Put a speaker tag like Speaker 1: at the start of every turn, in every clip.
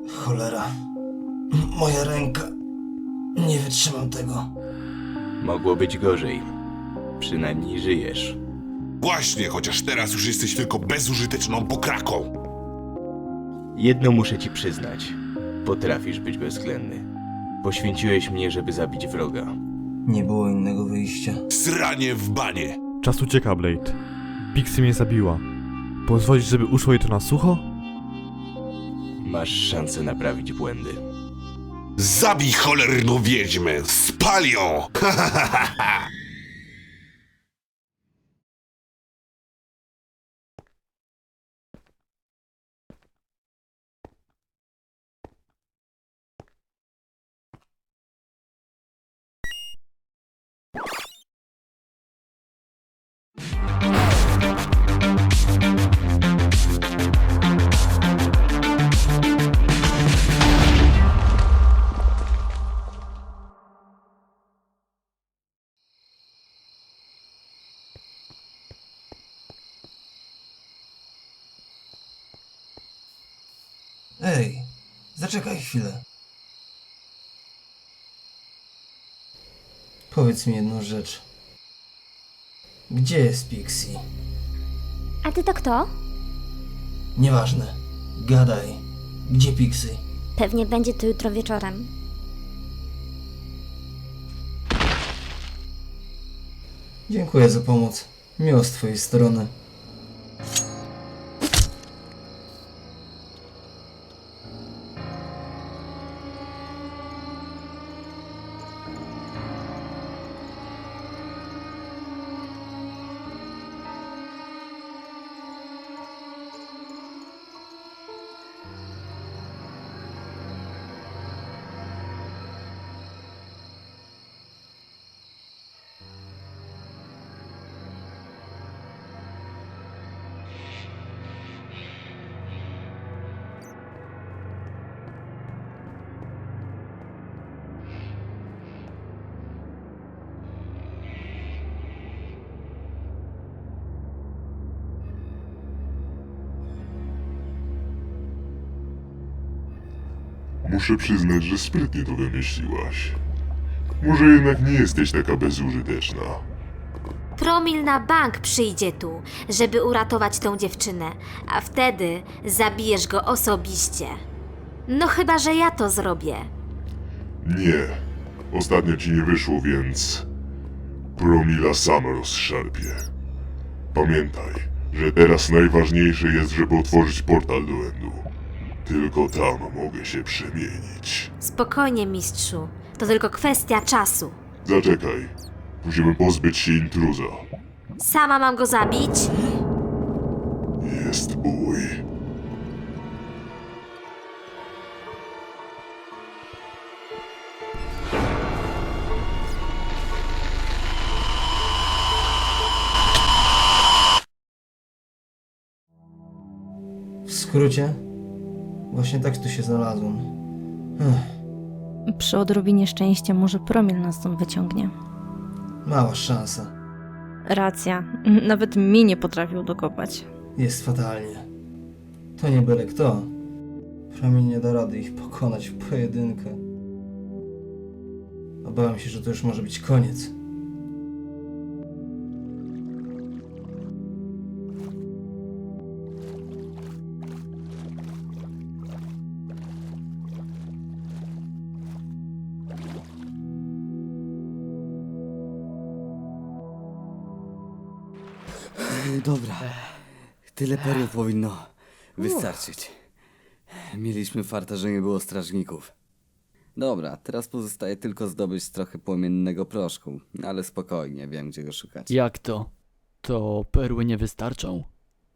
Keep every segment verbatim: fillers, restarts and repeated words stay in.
Speaker 1: Cholera. Moja ręka. Nie wytrzymam tego.
Speaker 2: Mogło być gorzej. Przynajmniej żyjesz.
Speaker 3: Właśnie, chociaż teraz już jesteś tylko bezużyteczną pokraką.
Speaker 2: Jedno muszę ci przyznać. Potrafisz być bezwzględny. Poświęciłeś mnie, żeby zabić wroga.
Speaker 1: Nie było innego wyjścia.
Speaker 3: Sranie w banie.
Speaker 4: Czas ucieka, Blade. Pixie mnie zabiła. Pozwolisz, żeby uszło jej to na sucho?
Speaker 2: Masz szansę naprawić błędy.
Speaker 3: Zabij cholerną wiedźmę! Spal ją!
Speaker 1: Ej, zaczekaj chwilę. Powiedz mi jedną rzecz. Gdzie jest Pixie?
Speaker 5: A ty to kto?
Speaker 1: Nieważne. Gadaj. Gdzie Pixie?
Speaker 5: Pewnie będzie to jutro wieczorem.
Speaker 1: Dziękuję za pomoc. Miło z twojej strony.
Speaker 6: Muszę przyznać, że sprytnie to wymyśliłaś. Może jednak nie jesteś taka bezużyteczna.
Speaker 7: Promil na bank przyjdzie tu, żeby uratować tą dziewczynę, a wtedy zabijesz go osobiście. No chyba, że ja to zrobię.
Speaker 6: Nie. Ostatnio ci nie wyszło, więc... Promila sam rozszarpie. Pamiętaj, że teraz najważniejsze jest, żeby otworzyć portal do Endu. Tylko tam mogę się przemienić.
Speaker 7: Spokojnie, mistrzu. To tylko kwestia czasu.
Speaker 6: Zaczekaj. Musimy pozbyć się intruza.
Speaker 7: Sama mam go zabić?
Speaker 6: Jest bój.
Speaker 1: W skrócie, właśnie tak tu się znalazłem. Ech,
Speaker 8: Przy odrobinie szczęścia może Promil nas stąd wyciągnie.
Speaker 1: mała szansa.
Speaker 8: Racja, nawet mi nie potrafił dokopać.
Speaker 1: Jest fatalnie. To nie byle kto. Promień nie da rady ich pokonać w pojedynkę. Obawiam się, że to już może być koniec.
Speaker 9: Dobra, tyle perły powinno wystarczyć. Mieliśmy farta, że nie było strażników. Dobra, teraz pozostaje tylko zdobyć trochę płomiennego proszku, ale spokojnie, wiem gdzie go szukać.
Speaker 10: Jak to? To perły nie wystarczą?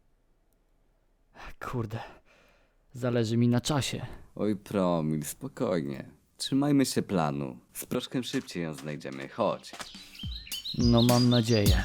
Speaker 10: Kurde, zależy mi na czasie.
Speaker 9: Oj Promil, spokojnie. Trzymajmy się planu. Z proszkiem szybciej ją znajdziemy, chodź.
Speaker 10: No mam nadzieję.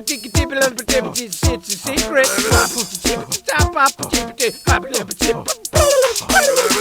Speaker 11: It's a secret.